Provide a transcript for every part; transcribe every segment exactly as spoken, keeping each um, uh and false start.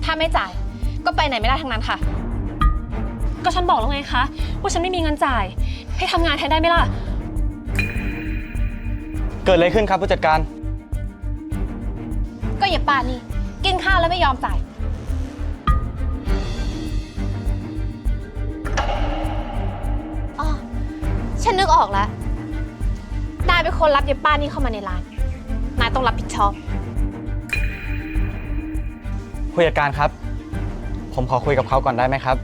ถ้าไม่จ่ายก็ไปไหนไม่ได้ทั้งนั้นค่ะก็ฉันบอกแล้วไงคะว่าฉันไม่มีเงินจ่ายให้ทำงานแทนได้ไหมล่ะเกิดอะไรขึ้นครับผู้จัดการก็อย่าป้านี่กินข้าวแล้วไม่ยอมจ่ายอ๋อฉันนึกออกแล้วนายเป็นคนรับเยป้านี่เข้ามาในร้านนายต้องรับผิดชอบผู้จัดการครับผมขอคุยกับเขาก่อนได้ไหมครับ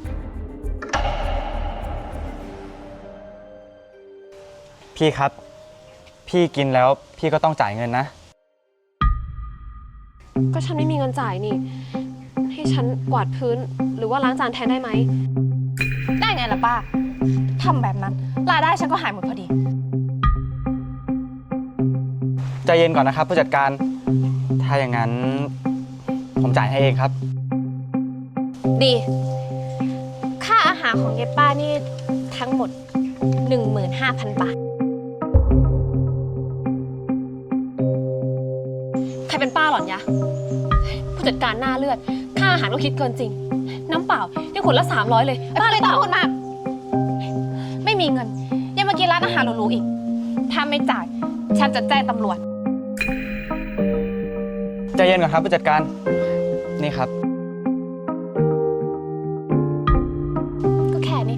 พี่ครับพี่กินแล้วพี่ก็ต้องจ่ายเงินนะก็ฉันไม่มีเงินจ่ายนี่ให้ฉันกวาดพื้นหรือว่าล้างจานแทนได้ไหมได้ไงล่ะป้าทำแบบนั้นรายได้ฉันก็หายหมดพอดีใจเย็นก่อนนะครับผู้จัดการถ้าอย่างนั้นผมจ่ายให้เองครับดีค่าอาหารของเยป้านี่ทั้งหมด หนึ่งหมื่นห้าพัน บาทใครเป็นป้าหรอยะผู้จัดการหน้าเลือดค่าอาหารก็คิดเกินจริงน้ำเปล่ายังขวดละสามร้อยเลยป้าเลยต้องเปล่าพูดมากไม่มีเงินยังมากินร้านอาหารหรูๆอีกถ้าไม่จ่ายฉันจะแจ้งตำรวจใจเย็นก่อนครับผู้จัดการนี่ครับก็แค่นี้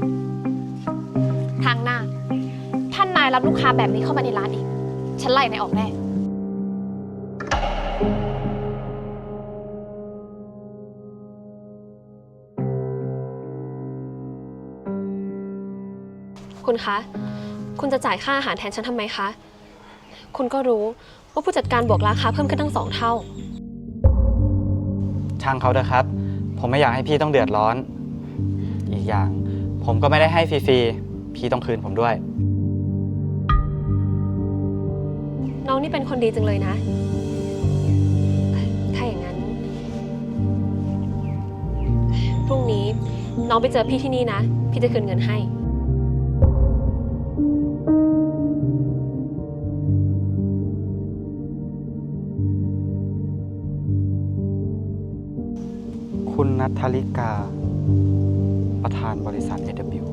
ทางหน้าท่านนายรับลูกค้าแบบนี้เข้ามาในร้านอีกฉันไล่นายออกแน่คุณคะคุณจะจ่ายค่าอาหารแทนฉันทำไมคะคุณก็รู้ว่าผู้จัดการบวกราคาเพิ่มขึ้นตั้งสองเท่าช่างเขาเถอะครับผมไม่อยากให้พี่ต้องเดือดร้อนอีกอย่างผมก็ไม่ได้ให้ฟรีๆพี่ต้องคืนผมด้วยน้องนี่เป็นคนดีจังเลยนะถ้าอย่างนั้นพรุ่งนี้น้องไปเจอพี่ที่นี่นะพี่จะคืนเงินให้คุณณัฐลิกาประธานบริษัท เอ ดับเบิลยู